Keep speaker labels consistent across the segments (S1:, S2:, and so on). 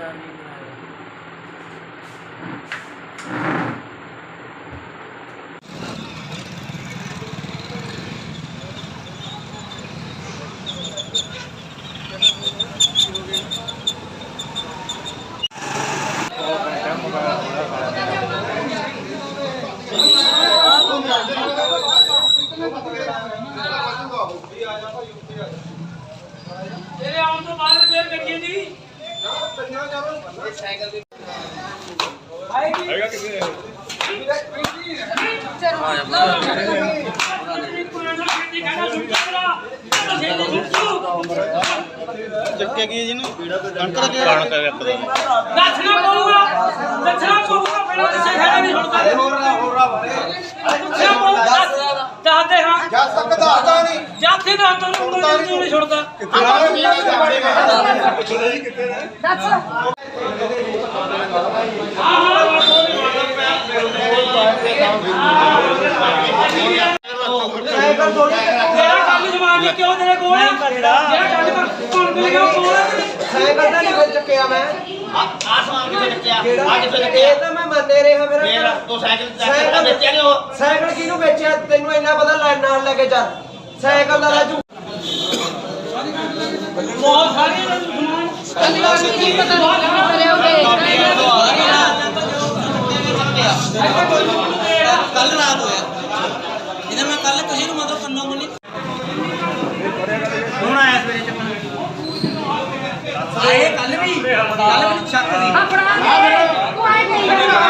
S1: तेरे आउन तो बाद रिपेयर करिए जी आएगा किसे
S2: ਚੱਕਿਆ ਕੀ ਜੀ ਨੂੰ ਕਣਕ ਦਾ ਕਣਕ
S1: ਦੱਸਣਾ ਪਊਗਾ ਪਹਿਲਾਂ ਕਿਸੇ ਖੜਾ ਨਹੀਂ ਛੁੱਟਦਾ ਦੱਸਦੇ ਹਾਂ
S2: ਜੱਜ ਤੱਕ ਦੱਸਦਾ ਨਹੀਂ
S1: ਜਾਥੇ ਦਾ ਤਾਂ ਨਹੀਂ ਛੁੱਟਦਾ
S3: ਦੱਸ
S1: ਤੇਰਾ ਕੰਮ ਜਮਾਨ ਜੀ ਕਿਉਂ ਤੇਰੇ ਕੋਲ ਜਿਹੜਾ ਕੱਢ ਕੇ ਕੌਣ ਦੇਗਾ ਉਹ ਕੋਲ
S4: ਸਾਈਕਲ ਤਾਂ ਨਹੀਂ ਫਿਰ ਚੱਕਿਆ ਮੈਂ
S2: ਆਸਮਾਨ ਕਿੱਥੇ ਚੱਕਿਆ
S4: ਇਹ ਤਾਂ ਮੈਂ ਮੰਨੇ ਰਿਹਾ ਮੇਰਾ
S2: ਤੂੰ ਸਾਈਕਲ ਵੇਚਿਆ ਨਹੀਂ ਉਹ
S4: ਸਾਈਕਲ ਕਿਹਨੂੰ ਵੇਚਿਆ ਤੈਨੂੰ ਇੰਨਾ ਪਤਾ ਨਾਲ ਲੈ ਕੇ ਚੱਲ ਸਾਈਕਲ ਦਾ ਰਾਜੂ
S1: ਬਹੁਤ ਸਾਰੇ ਸਮਾਨ
S3: ਕੀ ਪਤਾ ਕਰਿਓਗੇ
S5: ਕੱਲ ਰਾਤ ਹੋਇਆ ਇਹਦਾ ਮੈਂ ਕੱਲ ਕਿਸੇ ਨੂੰ ਮਤਲਬ ਕੰਨੋਂ ਬੋਲੀ ਹੁਣ ਆਇਆ ਸਵੇਰੇ ਚੱਕਣ ਆਏ ਕੱਲ ਵੀ ਸ਼ੱਕ ਸੀ
S3: ਆਪਣਾ ਤੂੰ ਆਏ ਨਹੀਂ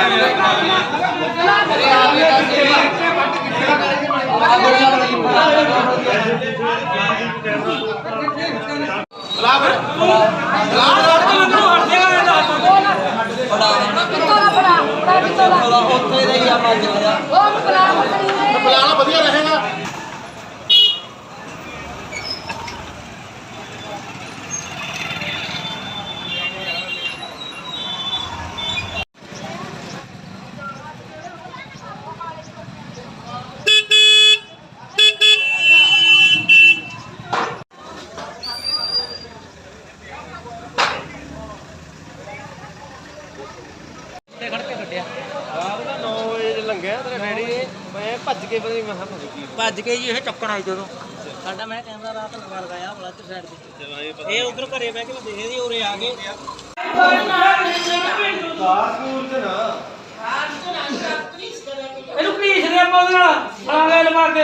S5: ਉੱਥੇ ਦਾ ਹੀ ਆ ਮੱਝ ਲਿਆ
S3: ਉਹ
S2: ਬੁਲਾਣਾ ਵਧੀਆ ਰਹੇਗਾ
S5: ਭੱਜ ਕੇ ਜੀ ਇਹ ਚੱਕਣ ਆਈ ਜਦੋਂ ਸਾਡਾ ਮੈਂ ਕੈਮਰਾ ਰਾਤ ਲਗਾਇਆ ਬਲੱਡ ਸਾਈਡ ਤੇ ਇਹ ਉਧਰ ਘਰੇ ਬਹਿ ਕੇ ਮੈਂ ਦੇਖਦੀ ਉਰੇ ਆ ਗਏ
S1: ਇਹਨੂੰ ਘੀਸ ਦੇ ਆਪਾਂ ਉਹਦੇ ਨਾਲ ਫਲਾਂਗੇ ਲਵਾ ਕੇ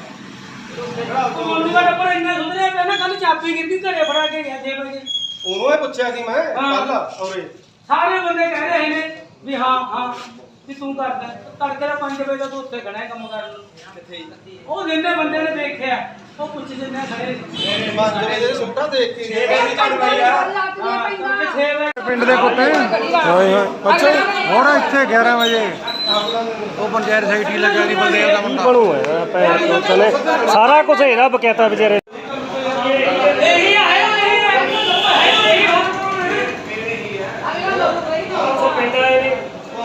S1: ਮੁੰਡੇ ਦਾ ਟੱਬਰ ਇੰਨਾ ਸੁਧਰਿਆ ਪਿਆ ਨਾ ਕੱਲ ਚਾਬੀ ਗਿਰਦੀ ਘਰੇ ਫੜਾ ਕੇ ਗਿਆ 6 ਵਜੇ
S2: ਉਹਨੂੰ ਇਹ ਪੁੱਛਿਆ ਸੀ ਮੈਂ ਕੱਲ ਔਰੇ
S1: ਸਾਰੇ ਬੰਦੇ ਕਹਿ ਰਹੇ ਨੇ ਵੀ ਹਾਂ ਵੀ ਤੂੰ ਕਰਦਾ ਤੜਕੇ ਦਾ 5 ਵਜੇ ਦਾ ਤੂੰ ਉੱਥੇ ਖੜਾ ਹੈ ਕੰਮ ਕਰਨ ਨੂੰ ਕਿੱਥੇ ਉਹ ਜਿੰਨੇ ਬੰਦੇ ਨੇ ਦੇਖਿਆ ਉਹ ਪੁੱਛ ਜਿੰਨੇ ਖੜੇ
S2: ਮੇਰੇ ਮਾਜਰੇ ਦੇ ਸੁੱਟਾ ਦੇਖ ਕੇ
S6: ਪਿੰਡ ਦੇ ਕੁੱਤੇ ਹੋਏ ਹੋਏ ਬੱਚੇ ਹੁਣ ਇੱਥੇ 11 ਵਜੇ ਉਹ ਪੰਚਾਇਤ ਸੈਕਟਰੀ ਲੱਗਿਆ ਦੀ ਬੰਦੇ ਦਾ ਮੁੰਡਾ ਬਣੂ ਹੈ ਭੈਣ ਚਲੇ ਸਾਰਾ ਕੁਝ ਇਹਦਾ ਬਕਾਇਦਾ ਵਿਚਾਰੇ
S1: ਇਹੀ ਆਇਆ ਉਹ ਪਿੰਡ ਆਏ ਨੇ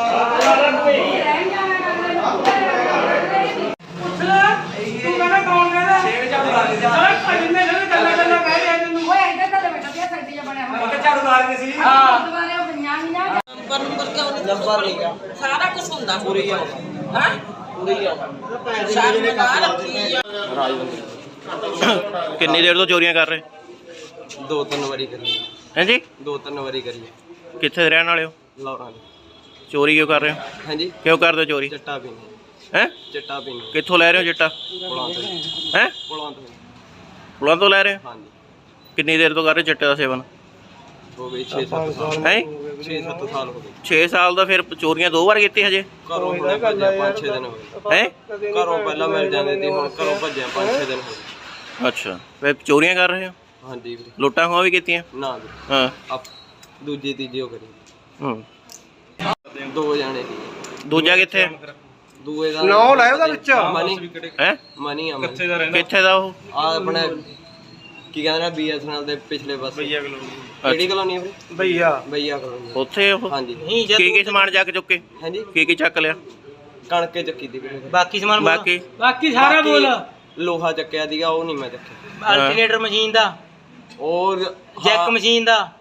S1: ਪੁੱਛ ਲੈ ਤੂੰ ਕਹਿੰਦਾ ਕੌਣ ਕਹਿੰਦਾ ਛੇੜ ਝਾੜੂ ਲਾ ਦੇ ਸਾਰਾ ਜਿੰਨੇ ਨੇ ਗੱਲਾਂ ਕਹਿ ਰਿਹਾ ਤੈਨੂੰ
S3: ਓਏ ਇੱਧਰ ਤਾਂ ਬੇਟਾ ਪਿਆ ਸੈਂਟੀ ਜਿਹਾ ਬਣਿਆ ਹੋਇਆ
S1: ਝਾੜੂ ਮਾਰਦੇ ਸੀ
S3: ਹਾਂ ਦੁਬਾਰੇ ਉਹ ਬਣੀਆਂ ਨਹੀਂ ਨਾ
S5: ਨੰਬਰ ਕਿਉਂ ਨਹੀਂ ਨੰਬਰ ਲਿਖਿਆ ਸਾਰਾ ਕੁਝ ਹੁੰਦਾ ਪੂਰੀ ਆ ਹਾਂ ਪੂਰੀ ਆ ਸ਼ਾਮ ਨੂੰ ਕਾ ਰੱਖੀ ਆ
S7: ਕਿੰਨੀ ਦੇਰ ਤੋਂ ਚੋਰੀਆਂ ਕਰ ਰਹੇ
S4: 2-3 ਵਾਰੀ ਕਰੀ
S7: ਹਾਂਜੀ
S4: 2-3 ਵਾਰੀ ਕਰੀ
S7: ਕਿੱਥੇ ਦੇ ਰਹਿਣ ਵਾਲੇ ਹੋ
S4: ਲੌਰਾਂ
S7: ਚੋਰੀ ਕਿਉਂ ਕਰ ਰਹੇ ਹੋ
S4: ਹਾਂਜੀ
S7: ਕਿਉਂ ਕਰਦੇ ਹੋ ਚੋਰੀ
S4: ਚੱਟਾ ਪੀਣੇ
S7: ਹੈ
S4: ਚੱਟਾ ਪੀਣੇ
S7: ਕਿੱਥੋਂ ਲੈ ਰਹੇ ਹੋ ਚਿੱਟਾ
S4: ਪੁਲਾਂ ਤੋਂ
S7: ਹੈ
S4: ਪੁਲਾਂ ਤੋਂ
S7: ਪੁਲਾਂ ਤੋਂ ਲੈ ਰਹੇ ਹੋ
S4: ਹਾਂਜੀ
S7: ਕਿੰਨੀ ਦੇਰ ਤੋਂ ਕਰ ਰਹੇ ਚਿੱਟੇ ਦਾ ਸੇਵਨ
S4: ਹੋ ਗਏ 6-7 ਸਾਲ
S7: ਹੈ
S4: 6-7 ਸਾਲ ਹੋ ਗਏ
S7: 6 ਸਾਲ ਦਾ ਫਿਰ ਚੋਰੀਆਂ 2 ਵਾਰ ਕੀਤੀ ਹਜੇ
S4: ਘਰੋਂ ਹੁਣੇ ਭੱਜਿਆ 5-6 ਦਿਨ ਹੋ ਗਏ
S7: ਹੈ
S4: ਘਰੋਂ ਪਹਿਲਾਂ ਮਿਲ ਜਾਂਦੇ ਸੀ ਹੁਣ ਘਰੋਂ ਭੱਜਿਆ 5-6 ਦਿਨ ਹੋ ਗਏ
S7: ਅੱਛਾ ਫਿਰ ਚੋਰੀਆਂ ਕਰ ਰਹੇ ਹੋ
S4: ਹਾਂਜੀ ਵੀਰੇ
S7: ਲੁੱਟਾਂ ਖੋਹਾਂ ਵੀ ਕੀਤੀਆਂ
S4: ਨਾ ਵੀਰੇ
S7: ਹਾਂ
S4: ਆਪ ਦੂਜੀ ਤੀਜੀ ਉਹ ਕਰੀ
S7: ਹੂੰ
S4: 2 ਜਾਣੇ ਸੀ
S7: ਦੂਜਾ ਕਿੱਥੇ
S4: ਦੂਏ ਦਾ
S6: ਨਾਮ ਲੈ ਉਹਦਾ ਵਿੱਚ
S4: ਮਨੀ
S7: ਹੈ
S4: ਮਨੀ ਆ ਮਨੀ
S7: ਕਿੱਥੇ ਦਾ ਉਹ
S4: ਆ ਆਪਣੇ ਕੀ ਕਹਿੰਦੇ ਨੇ BSNL ਦੇ ਪਿਛਲੇ ਪਾਸੇ ਕਿਹੜੀ ਕਲੋਨੀ ਵੀਰੇ ਬਈਆ ਕਲੋਨੀ
S7: ਉੱਥੇ ਉਹ
S4: ਹਾਂਜੀ
S7: ਕੀ ਸਮਾਨ ਚੱਕ ਚੁੱਕੇ
S4: ਹਾਂਜੀ
S7: ਕੀ ਚੱਕ ਲਿਆ
S4: ਕਣਕੇ ਚੱਕੀ ਦੀ ਵੀਰੇ
S5: ਬਾਕੀ ਸਮਾਨ
S1: ਬਾਕੀ ਸਾਰਾ ਬੋਲ
S4: ਲੋਹਾ ਚੱਕਿਆ ਦੀਗਾ ਉਹ ਨਹੀਂ ਮੈਂ ਚੱਕਿਆ
S5: ਅਲਟਰਨੇਟਰ ਮਸ਼ੀਨ ਦਾ
S4: ਔਰ
S5: ਜੈਕ ਮਸ਼ੀਨ ਦਾ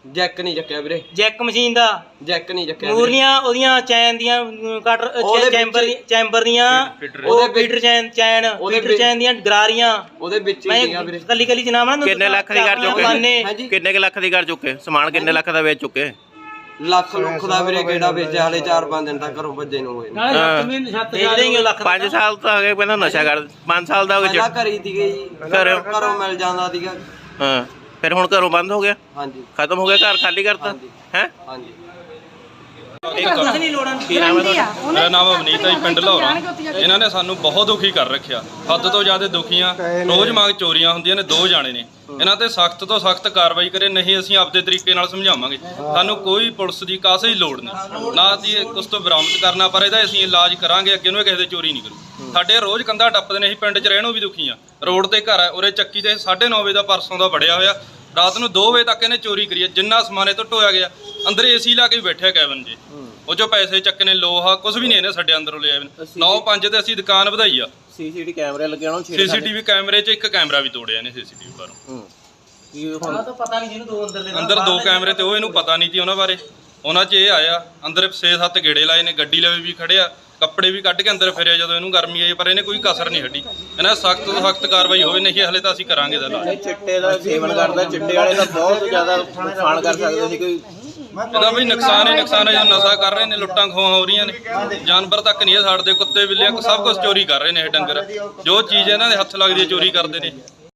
S4: ਜੈਕ ਨਹੀਂ ਚੱਕਿਆ ਵੀਰੇ,
S1: ਜੈਕ ਮਸ਼ੀਨ ਦਾ,
S4: ਜੈਕ ਨਹੀਂ ਚੱਕਿਆ ਵੀਰੇ।
S1: ਮੂਰਲੀਆਂ ਉਹਦੀਆਂ ਚੈਨ ਦੀਆਂ ਕਟਰ
S4: ਉਹਦੇ
S1: ਚੈਂਬਰ ਦੀਆਂ, ਉਹ ਫੀਟਰ ਚੈਨ ਫੀਟਰ ਚੈਨ ਦੀਆਂ ਗਰਾਰੀਆਂ
S4: ਉਹਦੇ ਵਿੱਚ ਹੀ
S1: ਮੈਂ
S4: ਸੀਗਾ ਵੀਰੇ।
S1: ਕੱਲੀ ਕੱਲੀ ਜਨਾਬ ਨਾ
S7: ਕਿੰਨੇ ਲੱਖ ਦੀ ਕਰ ਚੁੱਕੇ
S4: ਹਾਂਜੀ
S7: ਕਿੰਨੇ ਕੁ ਲੱਖ ਦੀ ਕਰ ਚੁੱਕੇ ਸਮਾਨ ਕਿੰਨੇ ਲੱਖ ਦਾ ਵੇਚ ਚੁੱਕੇ
S4: ਲੱਖ ਲੁੱਖ ਦਾ ਵੀਰੇ ਕਿਹੜਾ ਵੇਚਿਆ, ਹਾਲੇ 4-5 ਦਿਨ ਤੱਕ ਘਰੋਂ ਭੱਜੇ ਨੂੰ ਹੋਏ ਨੇ।
S1: ਨਾਲੇ 7 ਮਹੀਨੇ 7 ਵੇਚ ਦੇਂਗੇ ਲੱਖ
S7: 5 ਸਾਲ ਤਾਂ ਅਗੇ ਪਹਿਲਾਂ ਨਸ਼ਾ ਕਰ 5 ਸਾਲ ਦਾ ਹੋ
S4: ਪਹਿਲਾਂ
S7: ਗਿਆ
S4: ਘਰੇ ਸੀਗੇ ਜੀ, ਘਰੋਂ ਮਿਲ ਜਾਂਦਾ ਸੀਗਾ।
S7: ਹਾਂ ਫਿਰ ਹੁਣ ਘਰੋਂ ਬੰਦ ਹੋ ਗਿਆ
S4: ਹਾਂਜੀ
S7: ਖਤਮ ਹੋ ਗਿਆ ਘਰ ਖਾਲੀ ਕਰਤਾ ਹੈ
S4: ਹਾਂਜੀ
S1: ਕੁਝ ਨਹੀਂ ਲੋੜਾਂ
S7: ਕੀ ਨਾਮ ਹੈ ਤੁਹਾਡਾ
S8: ਮੇਰਾ ਨਾਮ ਅਵਨੀਤ ਹੈ ਜੀ, ਪਿੰਡ ਲਾਹੌਰਾ। ਇਹਨਾਂ ਨੇ ਸਾਨੂੰ ਬਹੁਤ ਦੁਖੀ ਕਰ ਰੱਖਿਆ, ਹੱਦ ਤੋਂ ਜ਼ਿਆਦਾ ਦੁਖੀਆਂ। ਰੋਜ਼ ਮੰਗ ਚੋਰੀਆਂ ਹੁੰਦੀਆਂ ਨੇ, 2 ਜਾਣੇ ਨੇ। ਇਹਨਾਂ ਤੇ ਸਖਤ ਤੋਂ ਸਖਤ ਕਾਰਵਾਈ ਕਰੇ, ਨਹੀਂ ਅਸੀਂ ਆਪਦੇ ਤਰੀਕੇ ਨਾਲ ਸਮਝਾਵਾਂਗੇ। ਸਾਨੂੰ ਕੋਈ ਪੁਲਿਸ ਦੀ ਕਾਸੇ ਦੀ ਲੋੜ ਨਹੀਂ, ਨਾ ਦੀ ਉਸ ਤੋਂ ਬਰਾਮਦ ਕਰਨਾ, ਪਰ ਇਹਦਾ ਅਸੀਂ ਇਲਾਜ ਕਰਾਂਗੇ, ਅੱਗੇ ਨੂੰ ਕਿਸੇ ਦੇ ਚੋਰੀ ਨਹੀਂ ਕਰੂ। ਸਾਡੇ ਰੋਜ਼ ਕੰਧਾ ਟੱਪਦੇ ਨੇ, ਅਸੀਂ ਪਿੰਡ 'ਚ ਰਹਿਣੋਂ ਵੀ ਦੁਖੀ ਆ। ਰੋਡ ਤੇ ਘਰ ਹੈ, ਉਰੇ ਚੱਕੀ ਤੇ 9:30 ਵਜੇ ਦਾ ਪਰਸੋਂ ਦਾ ਵੜਿਆ ਹੋਇਆ, ਰਾਤ ਨੂੰ 2 ਵਜੇ ਤੱਕ ਇਹਨੇ ਚੋਰੀ ਕਰੀ ਹੈ। ਜਿੰਨਾ ਸਮਾਨ ਇਹ ਤੋਂ ਢੋਇਆ ਗਿਆ, ਅੰਦਰ ਏਸੀ ਲਾ ਕੇ ਬੈਠਿਆ ਕੈਬਨ 'ਚ, ਉਹ 'ਚੋਂ ਪੈਸੇ ਚੱਕਨੇ, ਲੋਹਾ ਕੁਝ ਵੀ ਨਹੀਂ ਇਹਨੇ ਸਾਡੇ ਅੰਦਰੋਂ ਲਿਆ। 9-5 ਤੇ ਅਸੀਂ ਦੁਕਾਨ ਵਧਾਈ ਆ।
S7: ਸੀਸੀਟੀਵੀ ਕੈਮਰੇ ਲੱਗੇ ਹੋਣ
S8: ਸੀਸੀਟੀਵੀ ਕੈਮਰੇ 'ਚ ਇੱਕ ਕੈਮਰਾ ਵੀ ਤੋੜਿਆ ਨੇ ਸੀਸੀਟੀਵੀ ਬਾਹਰੋਂ।
S1: ਤਾਂ ਪਤਾ ਨਹੀਂ ਜਿਹਨੂੰ 2
S8: ਅੰਦਰ 2 ਕੈਮਰੇ ਤੇ ਉਹ ਇਹਨੂੰ ਪਤਾ ਨਹੀਂ ਸੀ ਉਹਨਾਂ ਬਾਰੇ। ਉਹਨਾਂ 'ਚ ਇਹ ਆਇਆ, ਅੰਦਰ 6-7 ਗੇੜੇ ਲਾਏ ਨੇ, ਗੱਡੀ ਲਵੇ ਵੀ ਖੜਿਆ, ਕੱਪੜੇ ਵੀ ਕੱਢ ਕੇ ਅੰਦਰ ਫਿਰਿਆ ਜਦੋਂ ਇਹਨੂੰ ਗਰਮੀ ਆਈ, ਪਰ ਇਹਨੇ ਕੋਈ ਕਸਰ ਨਹੀਂ ਹੱਡੀ। ਇਹਨਾਂ ਸਖਤ ਤੋਂ ਸਖਤ ਕਾਰਵਾਈ ਹੋਵੇ, ਨਹੀਂ ਹਲੇ ਤਾਂ ਅਸੀਂ ਕਰਾਂਗੇ ਦਾ
S7: ਚਿੱਟੇ ਦਾ ਸੇਵਨ ਕਰਦਾ, ਚਿੱਟੇ ਵਾਲੇ ਦਾ ਬਹੁਤ ਜ਼ਿਆਦਾ ਨੁਕਸਾਨ ਕਰ ਸਕਦੇ ਸੀ ਕੋਈ।
S8: ਇਹਦਾ ਵੀ ਨੁਕਸਾਨ ਹੀ ਨੁਕਸਾਨ ਹੈ, ਜੋ ਨਸ਼ਾ ਕਰ ਰਹੇ ਨੇ, ਲੁੱਟਾਂ ਖੋਹਾਂ ਹੋ ਰਹੀਆਂ ਨੇ, ਜਾਨਵਰ ਤੱਕ ਨਹੀਂ ਛੱਡਦੇ, ਕੁੱਤੇ ਬਿੱਲੇ ਸਭ ਕੁਝ ਚੋਰੀ ਕਰ ਰਹੇ ਨੇ ਇਹ ਡੰਗਰ। ਜੋ ਚੀਜ਼ ਇਹਨਾਂ ਦੇ ਹੱਥ ਲੱਗਦੀ ਹੈ ਚੋਰੀ ਕਰਦੇ ਨੇ।